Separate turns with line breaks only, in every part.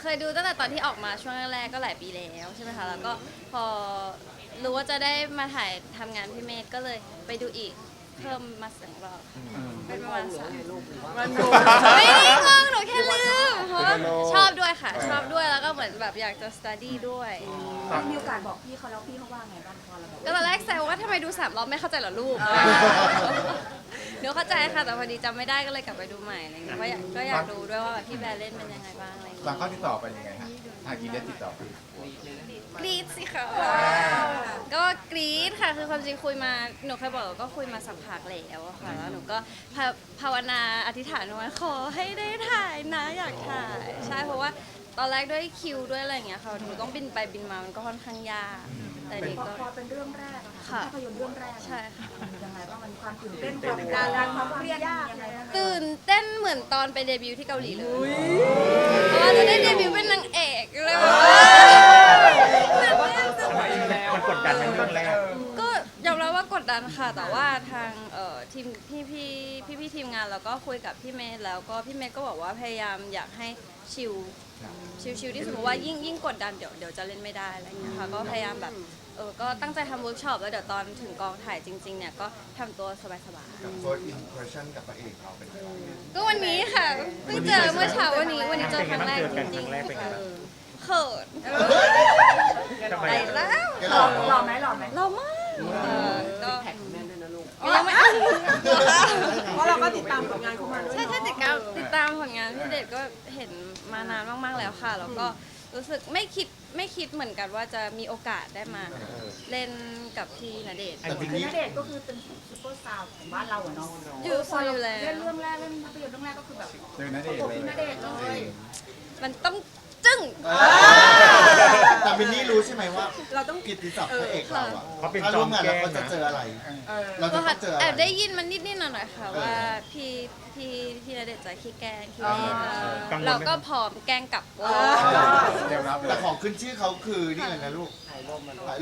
ยดูตั้งแต่ตอนที่ออกมาช่วงแรกๆก็หลายปีแล้วใช่ไหมคะแล้วก็พอรู้ว่าจะได้มาถ่ายทำงานพี่เมธก็เลยไปดูอีกเพิ่มมา2 รอบเป็นประมาณ3 ไม่ได้งงหนูแค่ลืมเพราะว่าชอบด้วยค่ะชอบด้วยแล้วก็เหมือนแบบอยากจะ study ด้วย
มีโอกาสบอกพี่เขาแล้วพี่เขาว่าไงบ้างพอเราแบบ
ก็ตอนแรกแซวว่าทำไมดู3 รอบไม่เข้าใจเหรอลูกหนูเข้าใจค่ะแต่พอดีจำไม่ได้ก็เลยกลับไปดูใหม่อะไรเงี้ยก็อยากดูด้วยว่าแบบพี่แบร์เล่นเป็นยังไงบ้างอะไรเงี้
บาง
ย
ข้อที่ตอบไปยังไงฮะทางกินได้ติดต่อไป
กรี๊ดสิคะก็กรี๊ดค่ะคือความจริงคุยมาหนูเคยบอกว่าก็คุยมาสักพักแล้วอะค่ะแล้วหนูก็ภาวนาอธิษฐานว่าขอให้ได้ถ่ายนะอยากถ่ายใช่เพราะว่าตอนแรกด้วยคิวด้วยอะไรอย่างเงี้ยค่ะหนูต้องบินไปบินมามันก็ค่อนข้างยากแต่เด็กก็
พอเป็นเรื่องแรกอะ
ค่ะ
ค่ะภาพยนตร์เรื่องแรก
ใช่ค่ะ
ยังไงบ้างมันความตื่นเต้นความกดดันความเครียดยังไงบ้าง
ตื่นเต้นเหมือนตอนไปเดบิวต์ที่เกาหลีเลยเพราะว่าจะได้เดบิวต์เป็นนางเอกเลยแบบว่า
มันกดดันในเรื่องแรก
ก็ยอมรับว่ากดดันค่ะ แต่ว่าทางทีมพี่ทีมงานแล้วก็คุยกับพี่เมย์แล้วก็พี่เมย์ก็บอกว่าพยายามอยากให้ชิลที่สมมติว่ายิ่งกดดันเดี๋ยวจะเล่นไม่ได้อะไรอย่างเงี้ยค่ะก็พยายามแบบก็ตั้งใจทำเวิร์กช็อปแล้วเดี๋ยวตอนถึงกองถ่ายจริงๆเนี่ยก็ทำตัวสบาย
กับ first impression กับพระเอกเราเป็นยังไง
ๆก็วันนี้ค่ะเพิ่งเจอเมื่อเช้าวันนี้เจอครั้งแรกจริงๆค่ะเขิน
ทำไม
ไปแล้ว
แก
ห
ห
ล่
ล่
อ
อ
หล่อไหมหล่อไหม
เรามากก็ยังไม่
เพราะเราก็ติดตามผลงานเขามาด้วย
ใช่ติดตามผลงานพี่เดชก็เห็นมานานมากๆแล้วค่ะแล้วก็รู้สึกไม่คิดเหมือนกันว่าจะมีโอกาสได้มาเล่นกับพี่ณเดชน์
แต่ที
คือ
นี้
ณเดชน์ก็คือเป็นซุปเปอร์สตาร์ของบ้านเราอะเนาะ
อยู่แล้ว
เล่นเรื่องแรกเล่นภาพยนตร์เรื่องแรกก็คือแบบ
เจอณเดชน์
โอ้
เลย
พี่ณเดชน์เลย
มันต้องจึ้ง
แต่มินนี่รู้ใช่ไหมว่า
เราต้อง
กิตติศัพท์พระเอกเราอะ
เขาเป็น
ถ้า
จอ
ร่ว
ม
มงาน
แกล้
เรา
ง
ก็จะ
นะ
เจออะไร เราจะ
ก็
ต้องเจออะไร
แอบได้ยินมันนิดๆหน่อยๆค่ะว่าพี่ณเดชน์จะขี้แกล้งขี้เล่น
กังวลไหม
เราก็พร้อมแกล้งกลับ
เดี๋ยวรับแต่ของขึ้นชื่อเขาคือนี่เลยนะลูกถ่ายรูป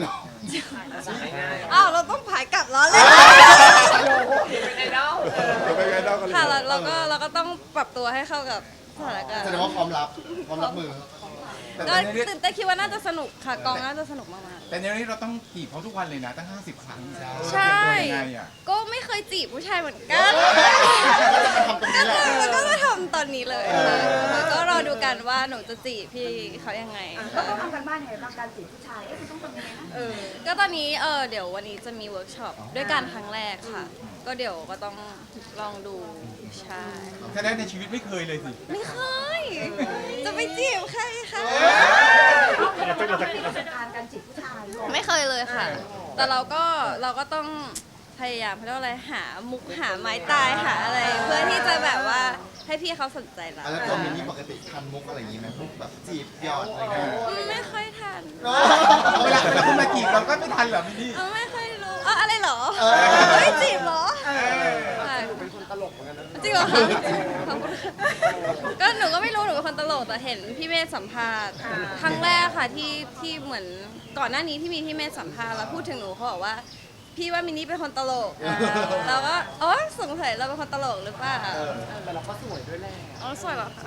อ้าวเราต้องผายกลับแล้วเลย
เป็นไงเล่ากันเลย
ค่ะเราก็ต้องปรับตัวให้เข้ากับสถานการณ์
แสดงว่าพร้อมรับมือ
ก็ตื่นเต้นคิดว่าน่าจะสนุกค่ะกองน่าจะสนุกมาก
แต่ในนี้เราต้องจีบเขาทุกวันเลยนะตั้ง50 ครั้ง
ๆใช่
เป็นยังไงอ่ะ
ก็ไม่เคยจีบผู้ชายเหมือนกัน
ทำตรงนี้แหละ
แล้วก็มาทำตอนนี้เลยค่ะแล้วก็รอดูกันว่าหนูจะจีบพี่เขายังไง
เราต้องทำกันบ้านยังไงบ้างการจีบผู้ชายคุณต้องทำยังไงนะ
ก็ตอนนี้เดี๋ยววันนี้จะมีเวิร์กช็อปด้วยกันครั้งแรกค่ะ ก็เดี๋ยวก็ต้องลองดูใช่
ถ้าได้ในชีวิตไม่เคยเลยสิ
ไม่เคยจะไปจีบใครคะ
เราจะ
การจีบผู้ชายด้วย
ไม่เคยเลยค่ะ แต่เราก็ต้องพยายามเขาเรียกว่าอะไรหามุกหาไม้ตายหาอะไร เพื่อที่จะแบบว่าให้พี่เขาสนใจเรา
แล้วตัวมินนี่ปกติทันมุกอะไรอย่างงี้ไหมมุกแบบจีบหยอดอะไรเงี้ย
ไม่ค่อยทัน
เวลาคุณมาจีบเราก็ไม่ทันเหรอมินนี่
ไม่ค่อยรู้อะไรเหรอไม่จีบเหรอหนูเป็นคนตลกเหมือนกันนะจริงเหรอคะขอบคุณค่ะก็หนูก็ไม่รู้หนูเป็นคนตลกแต่เห็นพี่เมธสัมภาษณ์ครั้งแรกค่ะที่เหมือนก่อนหน้านี้ที่มีพี่เมธสัมภาษณ์แล้วพูดถึงหนูเขาบอกว่าพี่ว่ามินนี่เป็นคนตลกเราก็สงสัยเราเป็นคนตลกหรือเปล่าแต่เราก็สวยด้วยแหละสวยเหรอคะ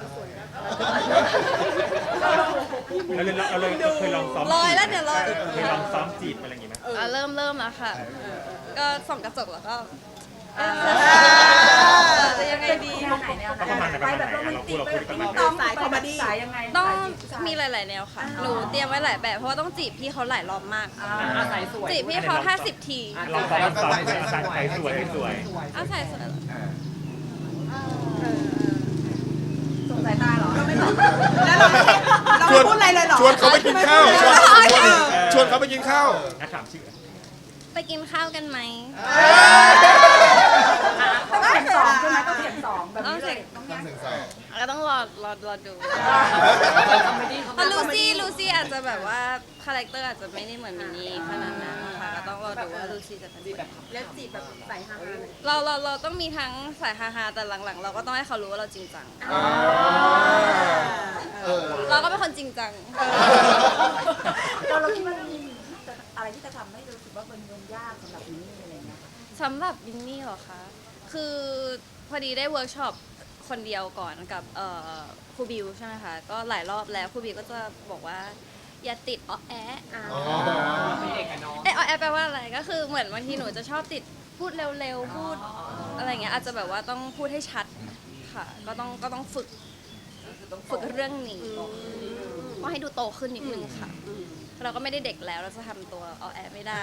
เราเลยเคยลองซ้อม
ลอยแล้วเดี๋ยวลอย
เคยลองซ้อมจีบอะไรอย่างงี้ไหม
เริ่มแล้วค่ะ ก็ส่องกระจกแล้วก็จะยังไงดี
แนวไหนไปแบบโรแมนติกไปแบบต้องสายคอมเมดี้สายยังไง
ต้องมีหลาย ๆ แนวค่ะ หนูเตรียมไว้หลายแบบ เพราะว่าต้องจีบพี่เขาหลายรอบมาก
สายสวย
จีบพี่เขา50 ที
ลองซ้อมอาจารย์ใครสวยสวย
เอาใส่สวยเหรอ
สงสายตาเหรอ
แล้วเราไม่พูดอะไรเลยเหรอ
ชวนเขาไปกินข้าวชวนเขาไปกินข้าว
นักถามชื่อ
ไปกินข้าวกันไหม
ต้องเสียงสองใช่ไหมต้องเสียงสองแบบนี้เลยต้องแยก
ก็ต้องรอดูเพราะลูซี่อาจจะแบบว่าคาแรคเตอร์อาจจะไม่ได้เหมือนมินนี่ขนาดนั้นค่ะก็ต้องรอดูว่าลูซี่จะเป็นแบบ
แล้วจีบแบบสายฮาๆหน่อย
เราต้องมีทั้งสายฮาๆแต่หลังๆ เราก็ต้องให้เขารู้ว่าเราจริงจัง เราก็เป็นคนจริงจัง
เราคิดว่ามีอะไรที่จะทำให้รู้สึกว่ามันยากสำหรับนี้อะไรเงี้ย
สำหรับวินนี่เหรอคะ คือพอดีได้เวิร์กช็อปคนเดียวก่อนกับครูบิวใช่ไหมคะก็หลายรอบแล้วครูบิวก็จะบอกว่าอย่าติดอ้อแอะ
อ๋อ
อ้อแอะแปลว่าอะไรก็คือเหมือนบางทีหนูจะชอบติดพูดเร็วๆพูดอะไรอย่างเงี้ยอาจจะแบบว่าต้องพูดให้ชัดค่ะก็ต้องฝึกเรื่องนี้ก็ให้ดูโตขึ้นนิดนึงค่ะเราก็ไม่ได้เด็กแล้วเราจะทำตัวอ้อแอะไม่ได้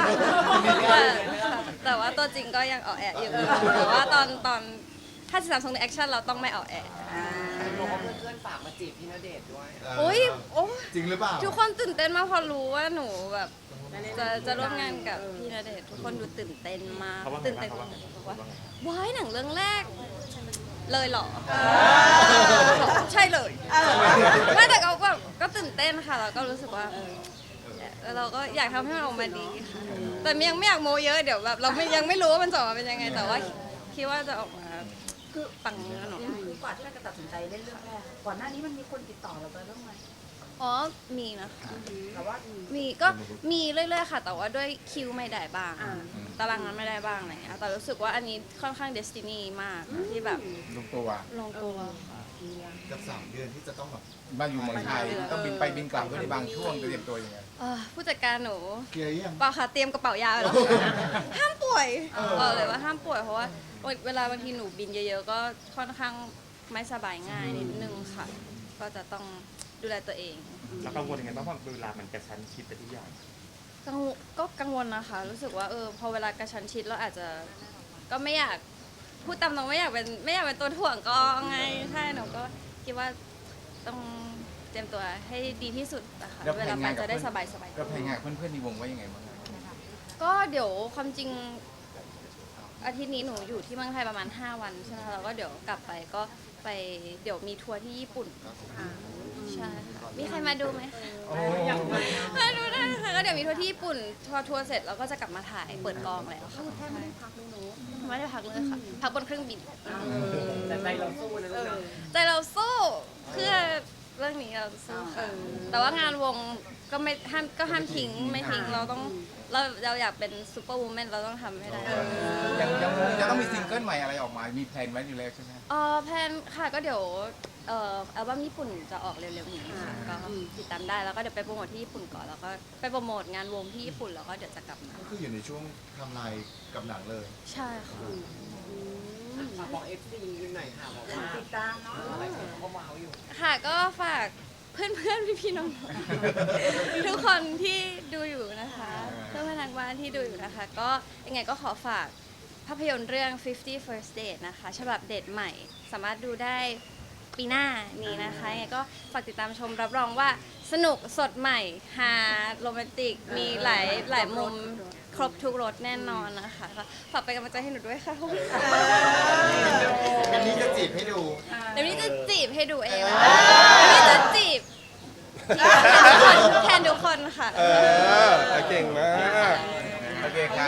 แต่ว่าตัวจริงก็ยังอ้อแอะอยู่แต่ว่าตอนถ้าจะทำทรงในแอคชั่นเราต้องไม่อ้อแอะ
บอกว่าเพื่อนๆฝากมาจีบพี่ณเดชน์ด้วย
โอ้ย
จริงหรือเปล่า
ทุกคนตื่นเต้นมากพอรู้ว่าหนูแบบจะร่วมงานกับพี่ณเดชน์ทุกคนดูตื่นเต้นมาก
เขาว่าไง
ตื่นเต้น
บ้าง
บอกว่าว้ายหนังเรื่องแรก เลยเหรอใช่เลยไม่แต่ก็แบบก็ตื่นเต้นค่ะแล้วก็รู้สึกว่าเราก็อยากทำให้มันออกมาดีค่ะแต่ยังไม่อยากโมเยอะเดี๋ยวแบบเรายังไม่รู้ว่ามันจะออกมาเป็นยังไงแต่ว่าคิดว่าจะออกมาคือปังแน่นอน
คือกว่าที่เราจะตัดสินใจเล่นเรื่องแรกก่อนหน้านี้มันมีคนติดต่อเราไปบ้างไหม
อ๋อมีนะคะ
แต่ว่า
มีก็มีเรื่อยๆค่ะ แต่ว่าด้วยคิวไม่ได้บ้างตารางนั้นไม่ได้บ้างอะไรเงี้ยแต่รู้สึกว่าอันนี้ค่อนข้างเดสตินีมากที่แบบ
ลงตัว
ลงตัวค่ะ
กับ3 เดือนที่จะต้องแบบ
มาอยู่เมืองไทยต้องบินไปบินกลับด้วยในบางช่วงจะเตรียมตัวยังไง
ผู้จัดการหนู
เคลียร์ยัง
เปล่าค่ะเตรียมกระเป๋ายาไปแล้วห้ามป่วยบอกเลยว่าห้ามป่วยเพราะว่าเวลาบางทีหนูบินเยอะๆก็ค่อนข้างไม่สบายง่ายนิดนึงค่ะ ก็จะต้องดูแลตัวเอง
แล้วกังวลยังไงบ้างเพราะเวลามันกระชั้นชิดไปทุกอย่าง
ก็กังวลนะคะ รู้สึกว่าพอเวลากระชั้นชิดเราอาจจะก็ไม่อยากพูดตามตรงไม่อยากเป็นตัวถ่วงก็ไงใช่หนูก็คิดว่าต้องเตรียมตัวให้ดีที่สุดนะคะ
แล้ว
เวลาไปจะได้สบาย
แล้วเพลงงานเพื่อนๆในวงว่ายังไงบ้าง
ก็เดี๋ยวความจริงอาทิตย์นี้หนูอยู่ที่เมืองไทยประมาณ5 วันใช่ไหมคะแล้วก็เดี๋ยวกลับไปก็ไปเดี๋ยวมีทัวร์ที่ญี่ปุ่นใช่ค่ะมีใครมาดูไหมคะมาดูได้ค่ะก็เดี๋ยวมีทัวร์ที่ญี่ปุ่นพอทัวร์เสร็จเราก็จะกลับมาถ่ายเปิดกองแล้วค่ะ
แทบไม่ได้พักเลยเนาะ
ไม่ได้พักเลยค่ะพักบนเครื่องบิน
แต่ใจเราสู้นะลูกนะ
ใจเราสู้เพื่อเรื่องนี้เราสู้ค่ะแต่ว่างานวงก็ไม่ห้ามทิ้งไม่ทิ้งเราอยากเป็นซูเปอร์วูแมนเราต้องทำให้ได้
ยังต้องมีซิงเกิลใหม่อะไรออกมา มีแพลนไว้อยู่แล้วใช่ไหม
แพลนค่ะก็เดี๋ยวอัลบั้มญี่ปุ่นจะออกเร็วๆนี้ค่ะก็ติดตามได้แล้วก็เดี๋ยวไปโปรโมทที่ญี่ปุ่นก่อนแล้วก็ไปโปรโมทงานวงที่ญี่ปุ่นแล้วก็เดี๋ยวจะกลับมา
ก็คืออยู่ในช่วงทำลายกับหนังเลย
ใช่ค่ะ
ฝากบอก FC หน่อยค่ะบอกว่า
ติดตามเนาะ
อะไรคนเขาก็ว้าวอยู่
ค่ะก็ฝากเพื่อนๆพี่ๆน้องๆทุกคนที่ดูอยู่นะคะเพื่อนๆทางบ้านที่ดูอยู่นะคะ ก็ยังไงก็ขอฝากภาพยนตร์เรื่อง 50 First Date นะคะฉบับเดทใหม่สามารถดูได้ปีหน้านี้นะคะยังไงก็ฝากติดตามชมรับรองว่าสนุกสดใหม่ฮาโรแมนติกมีหลายมุมครบทุกรสแน่นอนนะคะก็ฝากเป็นกำลังใจให้หนูด้วยค่ะขอบคุณค่ะ
อันนี้จะจีบให้ดู
เดี๋ยวนี้จะจีบให้ดูเองนะคะเดี๋ยวนี้จะจีบแทนทุกคนค่ะ
เก่งมาก
โอเคครับ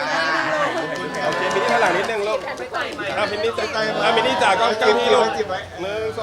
โอเคมินนี่ข้างหลังนิดนึงลูก
ไม่ต่อยไหม
มินนี่จ๋ากล้องที่ลูก
จีบไว้
1 2